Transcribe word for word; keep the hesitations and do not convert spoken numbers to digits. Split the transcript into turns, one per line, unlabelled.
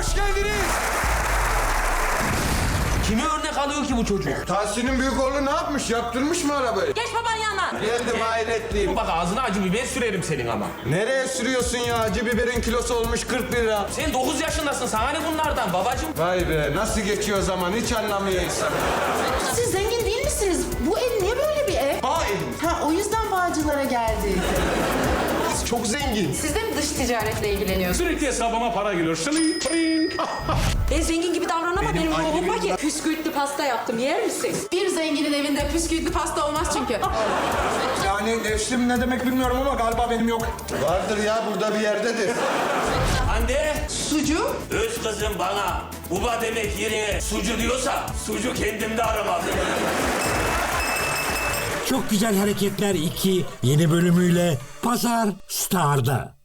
hoş geldiniz.
Kimi örnek alıyor ki bu çocuk?
Tahsin'in büyük oğlu ne yapmış? Yaptırmış mı arabayı?
Geç baban yanına.
Geldim hayretliyim.
Bak ağzına acı biber sürerim senin ama.
Nereye sürüyorsun ya? Acı biberin kilosu olmuş kırk lira.
Sen dokuz yaşındasın, sana ne bunlardan babacığım?
Vay be nasıl geçiyor zaman hiç anlamıyor insan.
Siz zengin değil misiniz? Bu ev niye böyle bir ev?
Bağ evim.
Ha o yüzden Bağcılar'a geldik.
Çok zengin.
Siz de mi dış ticaretle ilgileniyorsunuz?
Sürekli hesabıma para geliyor. Şling, şling.
Ben zengin gibi davranamam. Benim ruhum var ki. Püskürtlü pasta yaptım. Yer misin? Bir zenginin evinde püskürtlü pasta olmaz çünkü.
Yani nefsim ne demek bilmiyorum ama galiba benim yok.
Vardır ya burada bir yerdedir.
Anne,
Sucu?
öz kızım bana baba demek yerine sucu diyorsa sucu kendimde aramalı.
Çok Güzel Hareketler iki yeni bölümüyle Pazar Star'da.